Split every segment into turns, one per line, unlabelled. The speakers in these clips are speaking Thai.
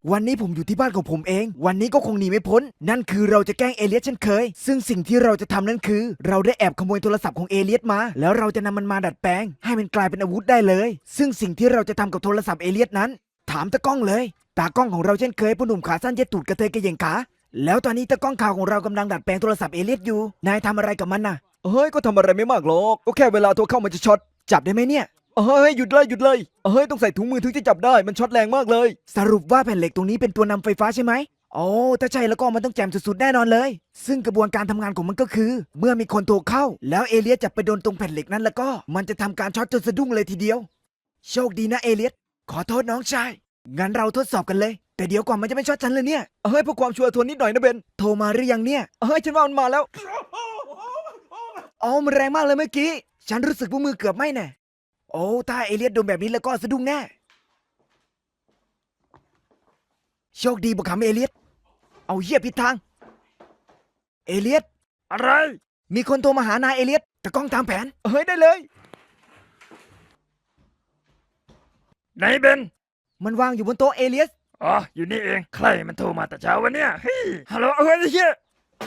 วันนี้ผมอยู่ที่บ้านของผมเอง วันนี้ก็คงหนีไม่พ้น นั่นคือเราจะแกล้งเอเลียสเช่นเคย ซึ่งสิ่งที่เราจะทำนั่นคือ เราได้แอบขโมยโทรศัพท์ของเอเลียสมา แล้วเราจะนำมันมาดัดแปลง ให้มันกลายเป็นอาวุธได้เลย ซึ่งสิ่งที่เราจะทำกับโทรศัพท์เอเลียสนั้น ถามตากล้องเลย ตากล้องของเราเช่นเคยพ่อหนุ่มขาสั้นเย็ดตูดกระเทยกระเหย่งขา แล้วตอนนี้ตากล้องข่าวของเรากำลังดัดแปลงโทรศัพท์เอเลียสอยู่ นายทำอะไรกับมันน่ะ
เฮ้ยก็ทำอะไรไม่มากหรอกก็แค่เวลาโทรเข้ามันจะช็อต
จับได้ไหมเนี่ย
เฮ้ยหยุดเลยเฮ้ยต้องใส่ถุงมือถึงจะจับได้มันช็อตแรงมากเลย
สรุปว่าแผ่นเหล็กตรงนี้เป็นตัวนำไฟฟ้าใช่ไหมโอ้ถ้าใช่แล้วก็มันต้องแจ่มสุดๆแน่นอนเลย ซึ่งกระบวนการทำงานของมันก็คือ เมื่อมีคนโทรเข้า แล้วเอเลียสจับไปโดนตรงแผ่นเหล็กนั้นแล้วก็มันจะทำการช็อตจนสะดุ้งเลยทีเดียว โชคดีนะเอเลียสขอโทษน้องชาย งั้นเราทดสอบกันเลย แต่เดี๋ยวก่อนมันจะไม่ช็อตฉันเลยเนี่ย
เฮ้ยเพื่อความชัวร์ทวนนิดหน่อยนะเบน
โทรมาหรือยังเนี่ย
เฮ้ยฉันว่ามันมาแล้ว
อ๋อมันแรงมากเลยเมื่อกี้ ฉันรู้สึกว่ามือเกือบไหม้แน่โอ้ถ้าเอเลียสโดนแบบนี้แล้วก็สะดุ้งแน่ โชคดีบุกขำเอเลียสเอาเหี้ยผิดทาง เอเลียส
อะไร
มีคนโทรมาหานายเอเลียสแต่กล้องตามแผน
เฮ้ยได้เลยไหนเบน
มันวางอยู่บนโต๊ะเอเลียส
อ๋ออยู่นี่เองใครมันโทรมาแต่เช้าวันเนี้ยเฮ้ยฮัลโหลเฮ้ยไอ้เหี้ย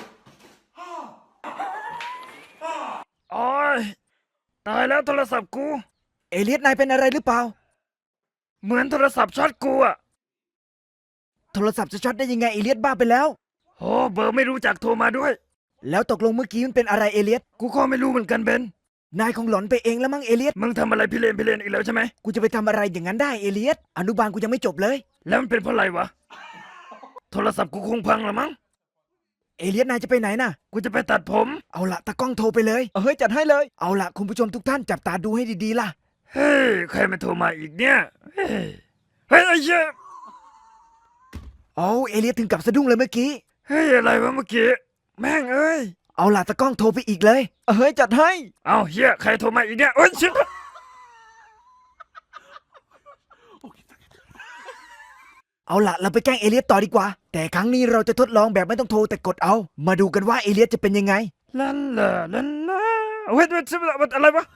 โอ้ยตายแล้วโทรศัพท์กู
เอเลียสนายเป็นอะไรหรือเปล่า
เหมือนโทรศัพท์ช็อตกูอะ
โทรศัพท์จะช็อตได้ยังไงเอเลียสบ้าไปแล้ว
โอ้เบอร์ไม่รู้จักโทรมาด้วย
แล้วตกลงเมื่อกี้มันเป็นอะไรเอเลียส
กูก็ไม่รู้เหมือนกันเบน
นายคงหลอนไปเองแล้วมั้งเอเลียส
มึงทำอะไรพี่เลนอีกแล้วใช่ไหม
กูจะไปทำอะไรอย่างนั้นได้เอเลียสอนุบาลกูยังไม่จบเลย
แล้วมันเป็นเพราะอะไรวะโทรศัพท์กูคงพังละมั้ง
เอเลียสนายจะไปไหนน่ะ
กูจะไปตัดผม
เอาละตากล้องโทรไปเลย
เฮ้ยจัดให้เลย
เอาละคุณผู้ชมทุกท่านจับตาดูให้ดีๆล่ะ
เฮ้ยใครมาโทรมาอีกเนี่ยเฮ้ยเฮ้ยไอ้เหี้ย
เอาเอเลียสถึงกับสะดุ้งเลยเมื่อกี้
เฮ้ยอะไรวะเมื่อกี้แม่งเอ้ย
เอาละตากล้องโทรไปอีกเลย
เฮ้ยจัดให้เอาเฮียใครโทรมาอีกเนี่ยโอ้ยชิบ
เอาละเราไปแกล้งเอเลียสต่อดีกว่า แต่ครั้งนี้เราจะทดลองแบบไม่ต้องโทรแต่กดเอา มาดูกันว่าเอเลียสจะเป็นยังไง
ลันลาลันลาเฮ้ยมันอะไรวะ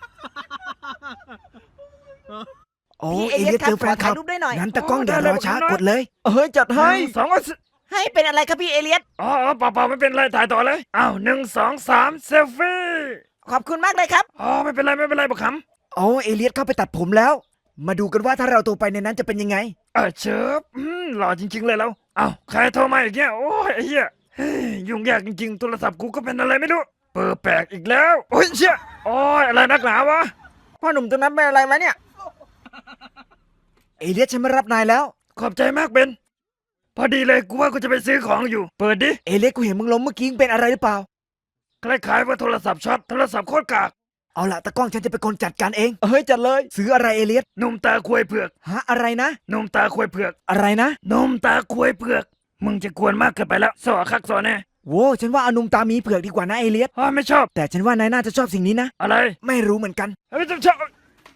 โอ้
พี่
เอเลียส
ครับ
เจอแฟนคลับ
ขอถ่ายรูปด้วยหน่อย
งั้นตากล้องอย่ารอช้ากดเลย
เฮ้ยจัดให้สอง
ให้เป็นอะไรครับพี่เอเลียส
อ๋อเปล่าไม่เป็นไรถ่ายต่อเลยอ้าว1 2 3เซลฟี่
ขอบคุณมากเลยครับ
อ๋อไม่เป็นไรบักขำ
โอ้เอเลียสเข้าไปตัดผมแล้ว มาดูกันว่าถ้าเราโทรไปในนั้นจะเป็นยังไง
เชิบหล่อจริงๆเลยแล้วอ้าวใครโทรมาอีกเนี่ยโอ้ยไอ้เหี้ยเฮ้ยยุ่งยากจริงๆโทรศัพท์กูก็เป็นอะไรไม่รู้เปิดแปลกอีกแล้วโอ้ยเชี่ยโอ้ยอะไรนักหนาวะ
พ่อหนุ่มตรงนั้นเป็นอะไรมาเนี่ย
เอเลียสฉันมารับนายแล้ว
ขอบใจมากเบนพอดีเลยกูว่ากูจะไปซื้อของอยู่เปิดดิ
เอเลียสกูเห็นมึงล้มเมื่อกี้มึงเป็นอะไรหรือเปล่า
คล้ายๆว่าโทรศัพท์ช็อตโทรศัพท์โคตรกาก
เอาละตากล้องฉันจะเป็นคนจัดการเอง
เฮ้ยจัดเลย
ซื้ออะไรเอเลียส
หนุ่มตาควยเผือก
ฮะอะไรนะ
หนุ่มตาควยเผือก
อะไรนะ
หนุ่มตาควยเผือกมึงจะกวนมากเกินไปแล้วสอคักสอแน่
โว้ฉันว่าเอานุ่มตามีเผือกดีกว่านะเอเลียส
อ๋อไม่ชอบ
แต่ฉันว่านายน่าจะชอบสิ่งนี้นะ
อะไร
ไม่รู้เหมือนกัน
ไม่ชอบ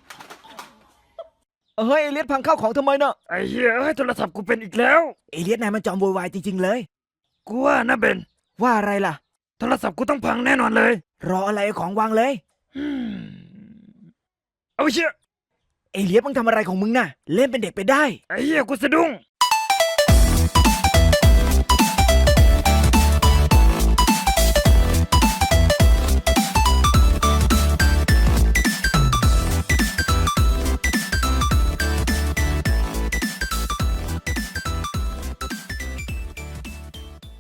เฮ้ยเอเลียสพังข้าวของทำไมเนาะ
ไอ้เหี้ยเอ้ยโทรศัพท์กูเป็นอีกแล้ว
เอเลียสนายมันจอมโวยวายจริงๆเลย
กูว่านะเบน
ว่าอะไรล่ะ
โทรศัพท์กูต้องพังแน่นอนเลย
รออะไรเอาของวางเลย
อืมเอาเชี่ย
เอเลียสมึงทำอะไรของมึงน่ะ เล่นเป็นเด็กไปได้
ไอ้เหี้ยกูสะดุ้ง